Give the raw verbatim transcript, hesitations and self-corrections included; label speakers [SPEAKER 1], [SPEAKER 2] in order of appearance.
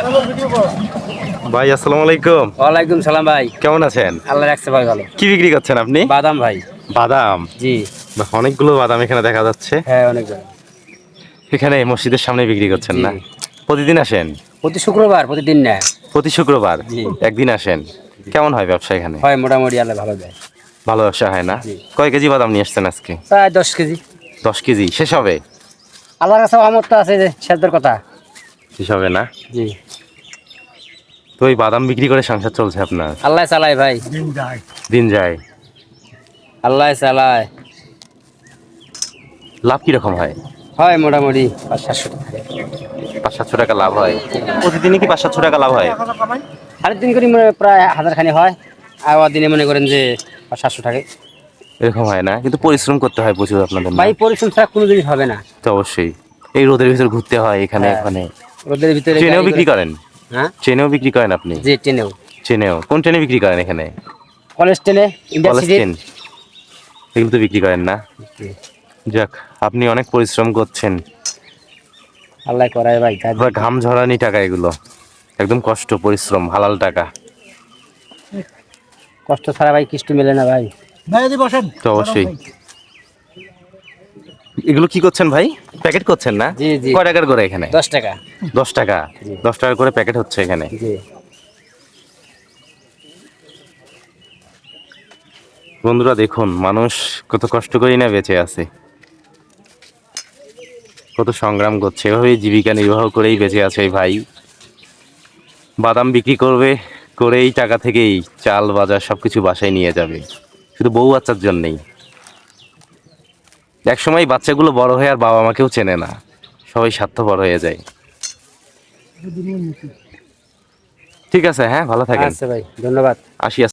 [SPEAKER 1] ভাই আসসালামু আলাইকুম।
[SPEAKER 2] ওয়ালাইকুম সালাম ভাই,
[SPEAKER 1] কেমন আছেন?
[SPEAKER 2] আল্লাহ রাখছে ভাই ভালো।
[SPEAKER 1] কি বিক্রি করছেন আপনি?
[SPEAKER 2] বাদাম ভাই।
[SPEAKER 1] বাদাম?
[SPEAKER 2] জি।
[SPEAKER 1] বাহ, অনেকগুলো বাদাম এখানে দেখা যাচ্ছে।
[SPEAKER 2] হ্যাঁ অনেক ভাই।
[SPEAKER 1] এখানে মসজিদের সামনে বিক্রি করছেন
[SPEAKER 2] জি।
[SPEAKER 1] না? প্রতিদিন আসেন?
[SPEAKER 2] প্রতি শুক্রবার, প্রতিদিন না।
[SPEAKER 1] প্রতি শুক্রবার
[SPEAKER 2] জি।
[SPEAKER 1] একদিন আসেন? কেমন হয় ব্যবসা এখানে?
[SPEAKER 2] হয় মোটামুটি, আল্লাহ ভালো দেয়।
[SPEAKER 1] ভালো ব্যবসা হয় না?
[SPEAKER 2] জি।
[SPEAKER 1] কয় কেজি বাদাম নিয়ে আসছেন আজকে?
[SPEAKER 2] প্রায় দশ কেজি।
[SPEAKER 1] দশ কেজি শেষ হবে?
[SPEAKER 2] আল্লাহর কাছে আমত তো আছে যে সেদ্ধর কথা।
[SPEAKER 1] শেষ হবে না?
[SPEAKER 2] জি।
[SPEAKER 1] তো ওই বাদাম বিক্রি করে সংসার চলছে আপনার?
[SPEAKER 2] আল্লাহ চালায় ভাই।
[SPEAKER 1] দিন যায়।
[SPEAKER 2] আল্লাহ চালায়।
[SPEAKER 1] লাভ কিরকম হয়?
[SPEAKER 2] হয় মোটামুটি পাঁচ সাতশো টাকা।
[SPEAKER 1] পাঁচ সাতশো টাকা লাভ হয়? প্রতিদিনই কি পাঁচ সাতশো টাকা লাভ হয়?
[SPEAKER 2] সাড়ে তিন করে মনে প্রায় হাজার খানি হয়। আর দিনে মনে করেন যে পাঁচ সাতশো টাকা।
[SPEAKER 1] এরকম হয় না? কিন্তু পরিশ্রম করতে হয় প্রচুর আপনাদের না?
[SPEAKER 2] ভাই পরিশ্রম ছাড়া কোনো জিনিস হবে না।
[SPEAKER 1] তো অবশ্যই এই রোদের ভিতর ঘুরতে হয় এখানে
[SPEAKER 2] হ্যাঁ।
[SPEAKER 1] ওখানে।
[SPEAKER 2] রোদের ভিতরে
[SPEAKER 1] ট্রেনেও
[SPEAKER 2] গাড়ি
[SPEAKER 1] বিক্রি
[SPEAKER 2] করে-
[SPEAKER 1] করেন?
[SPEAKER 2] হ্যাঁ
[SPEAKER 1] ট্রেনেও বিক্রি করেন আপনি?
[SPEAKER 2] জি, ট্রেনেও।
[SPEAKER 1] ট্রেনেও? কোন ট্রেনে বিক্রি করেন এখানে?
[SPEAKER 2] কলেজ ট্রেনে, ইন্ডিয়া
[SPEAKER 1] কলেজ
[SPEAKER 2] সিটি।
[SPEAKER 1] ট্রেন? এগুলো তো বিক্রি করেন না? যাক, আপনি অনেক পরিশ্রম করছেন।
[SPEAKER 2] আল্লাহ করায় ভাই কাজ।
[SPEAKER 1] পুরো ঘাম ঝরানি টাকা এগুলো, একদম কষ্ট পরিশ্রম হালাল টাকা।
[SPEAKER 2] কষ্ট ছাড়া ভাই কিচ্ছু মেলে না ভাই।
[SPEAKER 1] তো অবশ্যই। এগুলো কি করছেন ভাই? প্যাকেট করছেন না?
[SPEAKER 2] জি, জি।
[SPEAKER 1] কয় টাকার করে এখানে?
[SPEAKER 2] দশ টাকা।
[SPEAKER 1] দশ টাকা?
[SPEAKER 2] জি।
[SPEAKER 1] দশ টাকা করে প্যাকেট হচ্ছে এখানে।
[SPEAKER 2] জি।
[SPEAKER 1] বন্ধুরা দেখুন, মানুষ কত কষ্ট করেই না বেঁচে আছে, কত সংগ্রাম করছে, এভাবেই জীবিকা নির্বাহ করেই বেঁচে আছে এই ভাই। বাদাম বিক্রি করবে, করেই টাকা থেকেই চাল বাজার সবকিছু বাসায় নিয়ে যাবে, শুধু বউ বাচ্চার জন্যেই। একসময় বাচ্চাগুলো বড় হয়ে আর বাবা মাকেও চেনে না, সবাই স্বার্থপর হয়ে যায়। ঠিক আছে, হ্যাঁ ভালো থাকেন।
[SPEAKER 2] আচ্ছা ভাই, ধন্যবাদ।
[SPEAKER 1] আসি।